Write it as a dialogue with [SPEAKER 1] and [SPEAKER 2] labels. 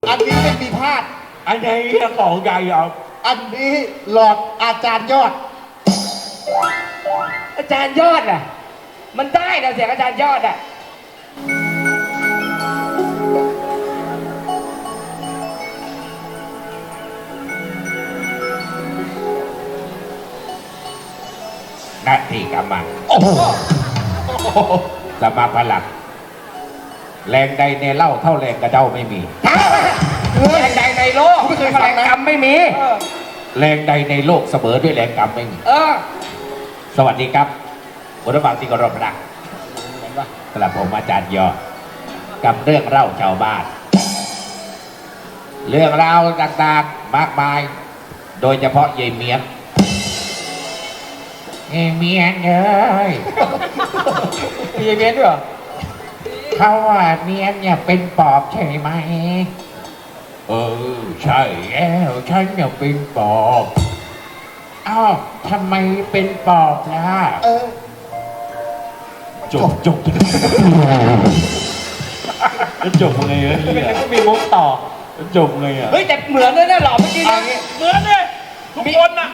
[SPEAKER 1] อันนี้ไม่มีพลาด
[SPEAKER 2] อันไหนของใหญ่อ่ะ
[SPEAKER 1] อันนี้หลอดอาจารย์ยอด
[SPEAKER 3] อาจารย์ยอดอ่ะ มันได้นะเสียงอาจารย์ยอดอ่ะ
[SPEAKER 2] นาทีกำมันโอ้โหสมาพลังแรงใดในเล่าเท่าแรงกระเด้าไม่มี
[SPEAKER 3] แรงใดในโลก
[SPEAKER 1] ไม่เคยฟั
[SPEAKER 3] แรง ง
[SPEAKER 1] นะ
[SPEAKER 3] กรรมไม่มี
[SPEAKER 2] แรงใดในโลกเสมอด้วยแรงกรรมไม่มี
[SPEAKER 3] เออ
[SPEAKER 2] สวัสดีครับคุณผู้ฟังที่เคารพรักกระผมอาจารย์ยอดกับเรื่องเล่าชาวบ้าน เรื่องราวต่างๆมากมาย โดยเฉพาะยายเมียนเมียนเอ้ย
[SPEAKER 3] มีเมียนด้วยเหรอ
[SPEAKER 2] เขาว่าเมียนเนี่ยเป็นปอบใช่ไหมใช่แล้วฉันเนี่ยเป็นปอบอ้าวทำไมเป็นปอบล่ะ จบจบไงอ่ะ
[SPEAKER 3] เป็นก็มีมุกต่อ
[SPEAKER 2] จบไงอ่ะ
[SPEAKER 3] เฮ้ยแต่เหมือนเลยนะหล่อเมื่อกี้นะ
[SPEAKER 2] เหมือนเนี่ยทุกคนอ่ะ